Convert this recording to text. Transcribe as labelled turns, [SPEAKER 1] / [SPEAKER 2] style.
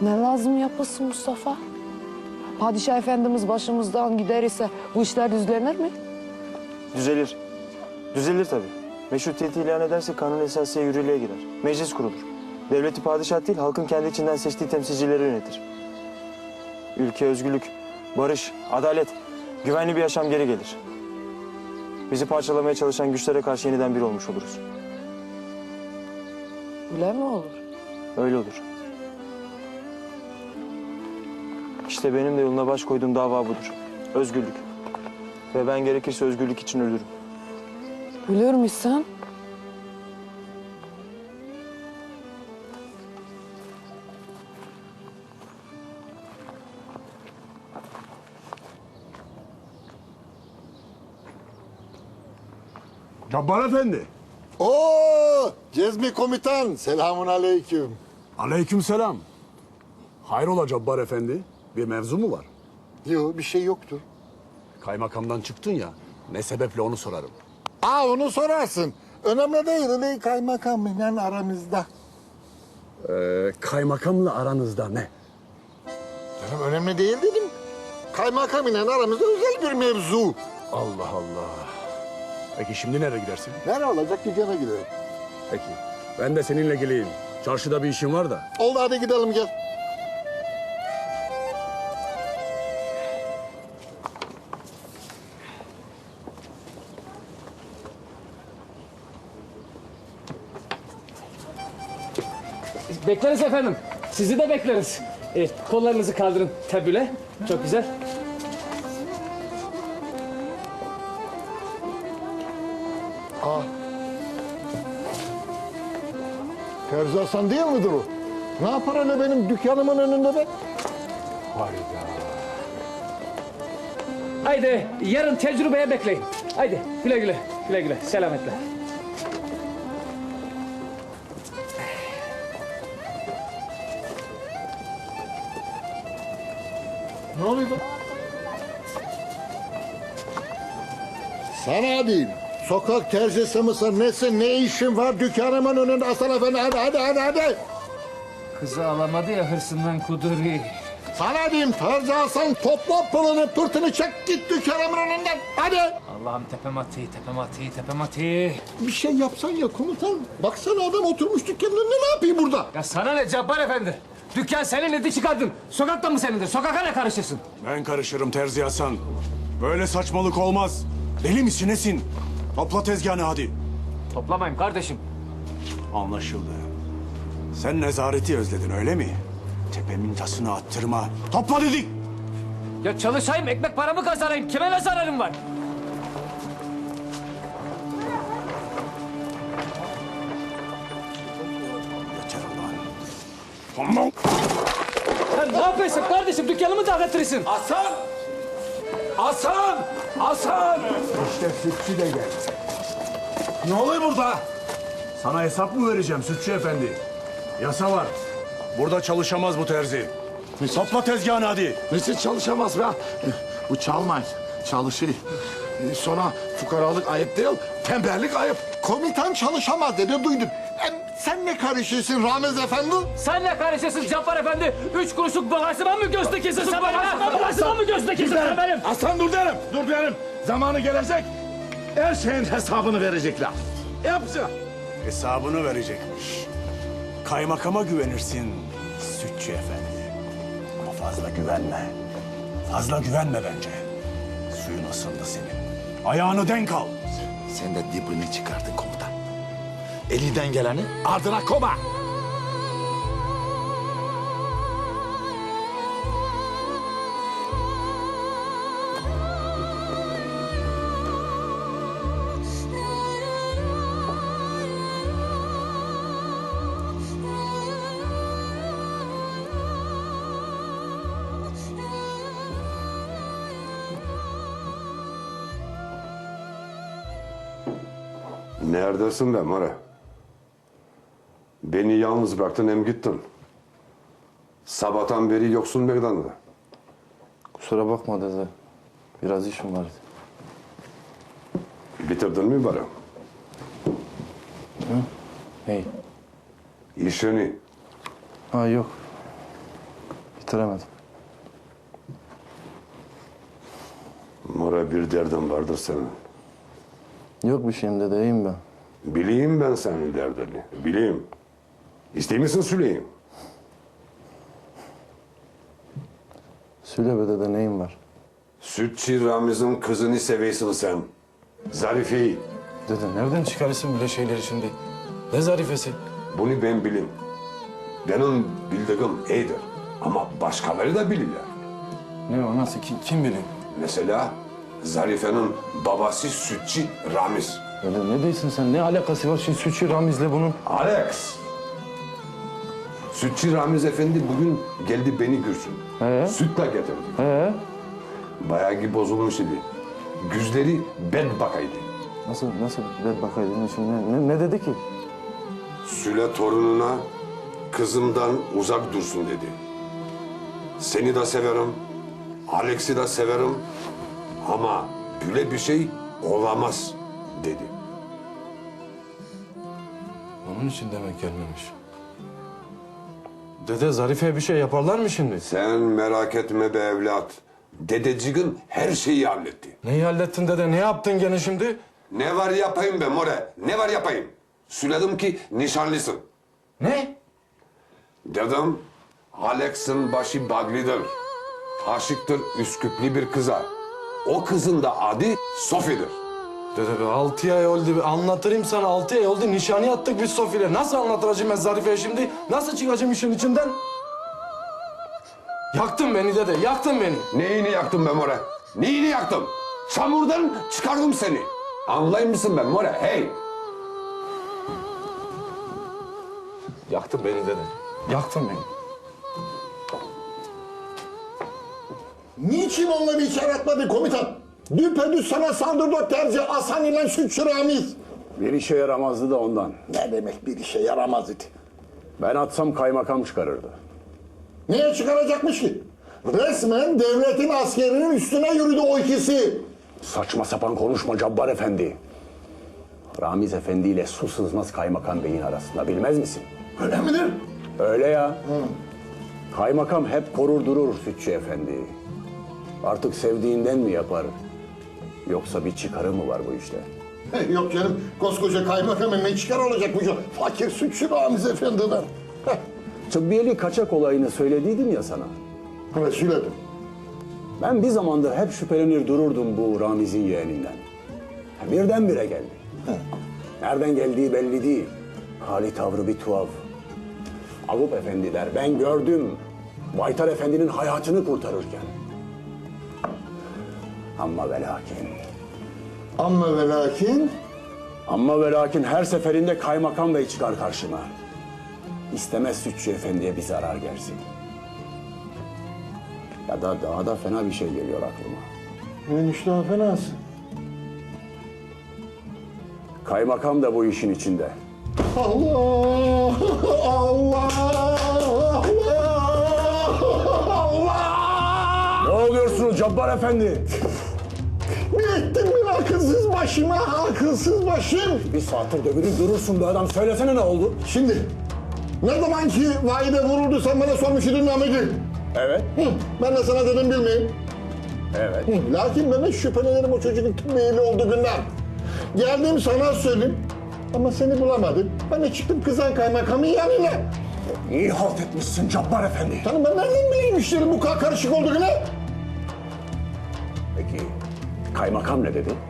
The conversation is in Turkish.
[SPEAKER 1] Ne lazım yapılsın Mustafa? Padişah Efendimiz başımızdan gider ise bu işler düzlenir mi?
[SPEAKER 2] Düzelir. Düzelir tabii. Meşrutiyeti ilan ederse kanun esasıya yürürlüğe girer. Meclis kurulur. Devleti padişah değil, halkın kendi içinden seçtiği temsilcileri yönetir. Ülke özgürlük, barış, adalet, güvenli bir yaşam geri gelir. Bizi parçalamaya çalışan güçlere karşı yeniden bir olmuş oluruz.
[SPEAKER 1] Öyle mi olur?
[SPEAKER 2] Öyle olur. İşte benim de yoluna baş koyduğum dava budur. Özgürlük. Ve ben gerekirse özgürlük için ölürüm.
[SPEAKER 1] Ölür müsün?
[SPEAKER 3] Cabbar Efendi.
[SPEAKER 4] Oo, Cezmi komutan, selamun aleyküm.
[SPEAKER 3] Aleykümselam. Hayrola Cabbar Efendi? Bir mevzu mu var?
[SPEAKER 4] Yok, bir şey yoktur.
[SPEAKER 3] Kaymakamdan çıktın ya. Ne sebeple onu sorarım.
[SPEAKER 4] Onu sorarsın. Önemli değil, öyle kaymakamla aramızda.
[SPEAKER 3] Kaymakamla aranızda ne?
[SPEAKER 4] Canım önemli değil dedim. Kaymakamla aramızda özel bir mevzu.
[SPEAKER 3] Allah Allah. Peki şimdi nereye gidersin?
[SPEAKER 4] Nerede olacak, dükkana gidelim.
[SPEAKER 3] Peki. Ben de seninle geleyim. Çarşıda bir işim var da.
[SPEAKER 4] Oldu, hadi gidelim gel.
[SPEAKER 5] Bekleriz efendim. Sizi de bekleriz. Kollarınızı kaldırın tabüle. Çok güzel.
[SPEAKER 4] Terzi Hasan değil midir o? Ne yapar öyle benim dükkanımın önünde be?
[SPEAKER 3] Hayda.
[SPEAKER 5] Haydi yarın tecrübeye bekleyin. Haydi güle güle. Güle güle. Selametle.
[SPEAKER 4] Ne oluyor be? Sana değil. Sokak terzisi misin, nesin, ne işin var dükkanımın önünde Hasan Efendi? Hadi.
[SPEAKER 5] Kızı alamadı ya hırsından kuduri.
[SPEAKER 4] Sana diyeyim Terzi Hasan, topla pılını pırtını çek git dükkanımın önünden. Hadi.
[SPEAKER 5] Allah'ım tepem atı.
[SPEAKER 4] Bir şey yapsan ya komutan. Baksana adam oturmuş dükkanın önünde, ne yapayım burada?
[SPEAKER 5] Ya sana ne Cabbar Efendi? Dükkan senin idi çıkardın. Sokakta mı senindir? Sokaka ne karışırsın?
[SPEAKER 3] Ben karışırım Terzi Hasan. Böyle saçmalık olmaz. Deli misin nesin? Topla tezgahını hadi.
[SPEAKER 5] Toplamayın kardeşim.
[SPEAKER 3] Anlaşıldı. Sen nezareti özledin öyle mi? Tepemin tasını attırma. Topla dedik.
[SPEAKER 5] Ya çalışayım, ekmek paramı kazanayım. Kime ne zararım var?
[SPEAKER 3] Yeter ulan. Tamam.
[SPEAKER 5] Sen ne yapıyorsun kardeşim? Dükkanımı dağıtırırsın.
[SPEAKER 3] Hasan! İşte sütçü de geldi. Ne oluyor burada? Sana hesap mı vereceğim sütçü efendi? Yasa var. Burada çalışamaz bu terzi. Topla tezgahını hadi.
[SPEAKER 6] Nasıl çalışamaz be? Bu çalmay, çalışır. Sonra fukaralık ayıp değil, tembellik ayıp.
[SPEAKER 4] Komutan çalışamaz dedi, duydum. Sen ne karışıyorsun Ramiz Efendi?
[SPEAKER 5] Sen ne karışırsın Cabbar Efendi? 3 kuruşluk bağırsıma mı gözde kesin sen benim? Bağırsıma mı gözde kesin sen benim?
[SPEAKER 6] Aslan dur derim. Zamanı gelecek, her şeyin hesabını verecekler. Yapacak.
[SPEAKER 3] Hesabını verecekmiş. Kaymakama güvenirsin sütçü efendi. Ama fazla güvenme. Fazla güvenme bence. Suyun ısındı senin. Ayağını denk al.
[SPEAKER 6] Sen de dibini çıkardın komutan. Elinden geleni ardına koma.
[SPEAKER 7] Neredesin be Mara? Beni yalnız bıraktın hem gittin. Sabahtan beri yoksun meydanda.
[SPEAKER 8] Kusura bakma dede. Biraz işim vardı.
[SPEAKER 7] Bitirdin mi bari?
[SPEAKER 8] Hey.
[SPEAKER 7] İşini.
[SPEAKER 8] Ha yok. Bitiremedim.
[SPEAKER 7] More bir derdin vardır senin.
[SPEAKER 8] Yok bir şeyim dede, iyiyim ben.
[SPEAKER 7] Bileyim ben senin derdini. Bileyim. İstey misin söyleyeyim?
[SPEAKER 8] Söyle be dede, neyim var?
[SPEAKER 7] Sütçü Ramiz'in kızını seviyorsun sen. Zarife'yi.
[SPEAKER 8] Dede nereden çıkarırsın böyle şeyleri şimdi? Ne zarifesi?
[SPEAKER 7] Bunu ben bileyim. Benim bildiğim iyidir. Ama başkaları da bilirler.
[SPEAKER 8] Ne o, nasıl, kim bilir?
[SPEAKER 7] Mesela Zarife'nin babası Sütçü Ramiz.
[SPEAKER 8] Dede ne diyorsun sen? Ne alakası var şimdi Sütçü Ramiz'le bunun?
[SPEAKER 7] Alex! Sütçü Ramiz Efendi bugün geldi beni görsün. Sütle getirdi. Bayağı ki bozulmuş idi. Gözleri bedbakaydı.
[SPEAKER 8] Nasıl bir bakaydın şimdi? Ne dedi ki?
[SPEAKER 7] Süle torununa kızımdan uzak dursun dedi. Seni de severim, Alex'i de severim ama böyle bir şey olamaz dedi.
[SPEAKER 8] Onun için demek gelmemiş. Dede Zarife'ye bir şey yaparlar mı şimdi?
[SPEAKER 7] Sen merak etme be evlat. Dedeciğin her şeyi halletti.
[SPEAKER 8] Neyi hallettin dede? Ne yaptın gene şimdi?
[SPEAKER 7] Ne var yapayım be more? Ne var yapayım? Söyledim ki nişanlısın.
[SPEAKER 8] Ne?
[SPEAKER 7] Dedim Alex'in başı bağlıdır. Aşıktır Üsküplü bir kıza. O kızın da adı Sofi'dir.
[SPEAKER 8] Dede be 6 ay oldu. Anlatırım sana, 6 ay oldu. Nişanı attık biz Sofi'yle. Nasıl anlatacağım ben Zarife'ye şimdi? Nasıl çıkacağım işin içinden? Yaktın beni dede, yaktın beni.
[SPEAKER 7] Neyini yaktım be more? Neyini yaktım? Çamurdan çıkardım seni. Anlayır mısın be more? Hey!
[SPEAKER 8] Yaktın beni dede. Yaktın beni.
[SPEAKER 4] Niçin onları içeri atmadı komutan? Düpedüz sana saldırdı terzi Hasan ile Sütçü Ramiz.
[SPEAKER 9] Bir işe yaramazdı da ondan.
[SPEAKER 4] Ne demek bir işe yaramaz idi?
[SPEAKER 9] Ben atsam kaymakam çıkarırdı.
[SPEAKER 4] Niye çıkaracakmış ki? Resmen devletin askerinin üstüne yürüdü o ikisi.
[SPEAKER 9] Saçma sapan konuşma Cabbar Efendi. Ramiz Efendi ile su sızmaz kaymakam beyin arasında, bilmez misin?
[SPEAKER 4] Öyle midir?
[SPEAKER 9] Öyle ya. Kaymakam hep korur durur Sütçü Efendi. Artık sevdiğinden mi yapar? Yoksa bir çıkarı mı var bu işte?
[SPEAKER 4] Yok canım, koskoca kaymakamın ne çıkar olacak bu fakir Sütçü Ramiz Efendi'den?
[SPEAKER 9] Tıbbiyeli kaçak olayını söylediydim ya sana.
[SPEAKER 4] Evet, söyledim.
[SPEAKER 9] Ben bir zamandır hep şüphelenir dururdum bu Ramiz'in yeğeninden. Birdenbire geldi. Nereden geldiği belli değil. Hali tavrı bir tuhaf. Avup efendiler, ben gördüm. Baytar Efendi'nin hayatını kurtarırken. Ama ve lakin.
[SPEAKER 4] Ama ve lakin...
[SPEAKER 9] Ama ve lakin her seferinde kaymakam bey çıkar karşıma. İstemez Sütçü Efendi'ye bir zarar gelsin. Ya da daha da fena bir şey geliyor aklıma.
[SPEAKER 4] Neymiş daha fenası?
[SPEAKER 9] Kaymakam da bu işin içinde.
[SPEAKER 4] Allah! Allah! Allah!
[SPEAKER 9] Ne oluyorsunuz Cabbar Efendi?
[SPEAKER 4] Ne ettin ben akılsız başıma, akılsız başım?
[SPEAKER 9] Bir saattir dövülüp durursun be adam. Söylesene ne oldu?
[SPEAKER 4] Şimdi, ne zaman ki vahide vuruldu sen bana sormuş idin Ahmet'i.
[SPEAKER 9] Evet.
[SPEAKER 4] Ben de sana dedim bilmeyeyim.
[SPEAKER 9] Evet.
[SPEAKER 4] Lakin ben de şüphelenirim o çocuğun tıbbiyeli olduğu günden. Geldim sana söyleyeyim ama seni bulamadım. Ben de çıktım kızan kaymakamın yanına.
[SPEAKER 9] İyi halt etmişsin Cabbar Efendi.
[SPEAKER 4] Canım ben nereden bileyim işlerin bu kadar karışık olduğunu?
[SPEAKER 9] Peki kaymakam ne dedi?